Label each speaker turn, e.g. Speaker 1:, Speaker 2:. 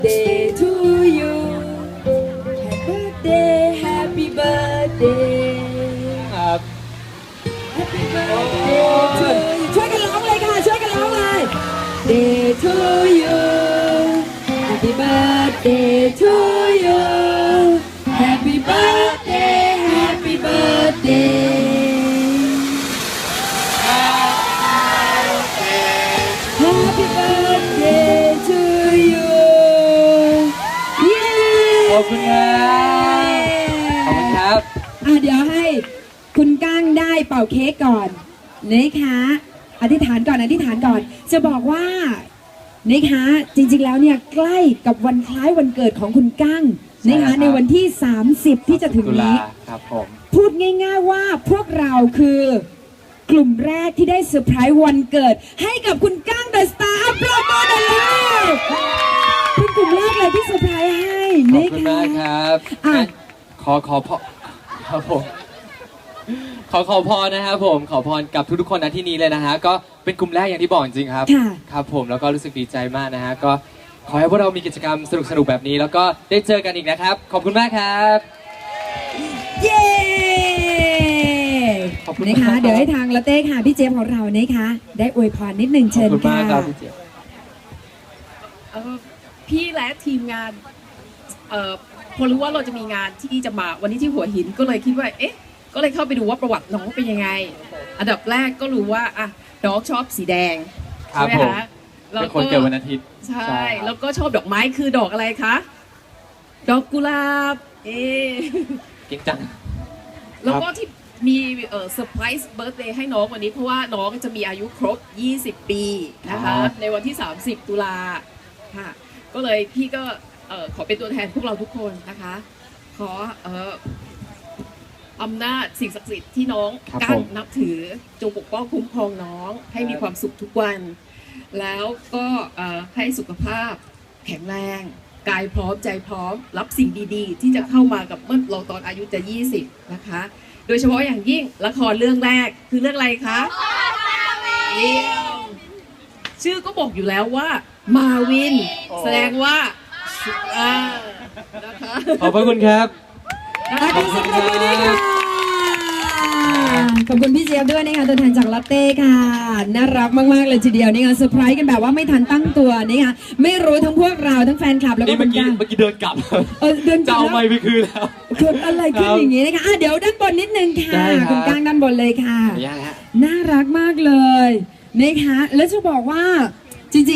Speaker 1: birthday to you Happy birthday
Speaker 2: ครับ
Speaker 1: Happy birthday to you ช่วยกันร้องเลยค่ะช่วยกันร้องเลย Day to you Happy birthday to you Happy birthday Happy birthday Happy birthday to you
Speaker 2: ขอบคุณครับขอบคุณครับ
Speaker 1: เดี๋ยวให้คุณก้างได้เป่าเค้กก่อนนะคะอธิษฐานก่อนจะบอกว่านะคะจริงๆแล้วเนี่ยใกล้กับวันคล้ายวันเกิดของคุณก้างนะคะในวันที่30ที่จะถึงนี้
Speaker 2: ครับผม
Speaker 1: พูดง่ายๆว่าพวกเราคือกลุ่มแรกที่ได้เซอร์ไพรส์วันเกิดให้กับคุณก้างเดอะสตาร์ปรบมือหน่อยเลยเป็นกลุ่มแรกเลยที่เซอร์ไพรส์ให้
Speaker 2: ขอบ
Speaker 1: นะ
Speaker 2: คุณ
Speaker 1: คะ
Speaker 2: มากครับ ขอพรครับผมขอพรนะครับผมขอพรกับทุกๆคนณที่นี้เลยนะฮะก็เป็นกลุ่มแรกอย่างที่บอกจริงๆครับ
Speaker 1: ค่ะ
Speaker 2: ครับผมแล้วก็รู้สึกดีใจมากนะฮะก็ขอให้พวกเรามีกิจกรรมสนุกๆแบบนี้ แล้วก็ได้เจอกันอีกนะครับ ขอบคุณมากครับ
Speaker 1: เย้
Speaker 2: ขอบคุณ
Speaker 1: นะคะ
Speaker 2: มาก
Speaker 1: เดี๋ยวให้ทางลาเต้ค่ะพี่เจมส์ของเรานะคะได้อวยพรนิดนึง
Speaker 2: ขอ
Speaker 1: เชิ
Speaker 2: บ
Speaker 1: ญ
Speaker 2: คุณ
Speaker 1: ค่ะ
Speaker 2: มากครับพี่เจี๊ยบ
Speaker 3: พี่และทีมงานพอรู้ว่าเราจะมีงานที่จะมาวันนี้ที่หัวหินก็เลยคิดว่าก็เลยเข้าไปดูว่าประวัติน้องเป็นยังไง อันดับแรกก็รู้ว่าน้องชอบสีแดง
Speaker 2: ครั
Speaker 3: ใช่
Speaker 2: บ
Speaker 3: ไหม
Speaker 2: ผม
Speaker 3: คะ
Speaker 2: เป็นคนเกิดวันอาทิตย์
Speaker 3: ใช่
Speaker 2: ครับ
Speaker 3: แล้วก็ชอบดอกไม้คือดอกอะไรคะดอกกุหลาบ
Speaker 2: เก่งจัง
Speaker 3: แล้วก็ที่มีเซอร์ไพรส์เบิร์ธเดย์ให้น้องวันนี้เพราะว่าน้องจะมีอายุครบ 20 ปีนะคะในวันที่ 30 ตุลาค่ะก็เลยพี่ก็ขอเป็นตัวแทนพวกเราทุกคนนะคะขออำนาจสิ่งศักดิ์สิทธิ์ที่น้อง
Speaker 2: ครับ
Speaker 3: กั้น
Speaker 2: ผม
Speaker 3: นับถือจงปกป้องคุ้มครองน้องให้มีความสุขทุกวัน แล้วก็ให้สุขภาพแข็งแรงกายพร้อมใจพร้อมรับสิ่งดีๆ ที่จะเข้ามากับเมื่อเราตอนอายุจะ 20 นะคะ โดยเฉพาะอย่างยิ่งละครเรื่องแรกคือเรื่องอะไรคะเยี่ยมชื่อก็บอกอยู่แล้วว่ามาวิน แสดงว่านะคะ
Speaker 2: ขอบพระคุณครับ
Speaker 1: ขอบคุณค่ะขอบคุณพี่เจี๊ยบด้วยนะคะตัวแทนจากลาเต้ค่ะน่ารักมากๆเลยทีเดียวนะคะเซอร์ไพรส์กันแบบว่าไม่ทันตั้งตัวนะคะไม่รู้ทั้งพวกเราทั้งแฟนคลับแล้วก็
Speaker 2: นี่
Speaker 1: คุ
Speaker 2: เมื่อ
Speaker 1: ณ
Speaker 2: กี้
Speaker 1: ก้าง
Speaker 2: เดินกลับ
Speaker 1: เดิน
Speaker 2: จะเอาไม
Speaker 1: แล้ว
Speaker 2: ค์ไปคืนแล้ว
Speaker 1: เกิดอะไรขึ้นอย่างนี้นะคะเดี๋ยวด้านบนนิดนึงค่ะ
Speaker 2: ได้ครับ
Speaker 1: คุณก้างด้านบนเลยค่ะ
Speaker 2: ขออนุญาตนะฮะ
Speaker 1: น่ารักมากเลยนะคะแล้วจะบอกว่า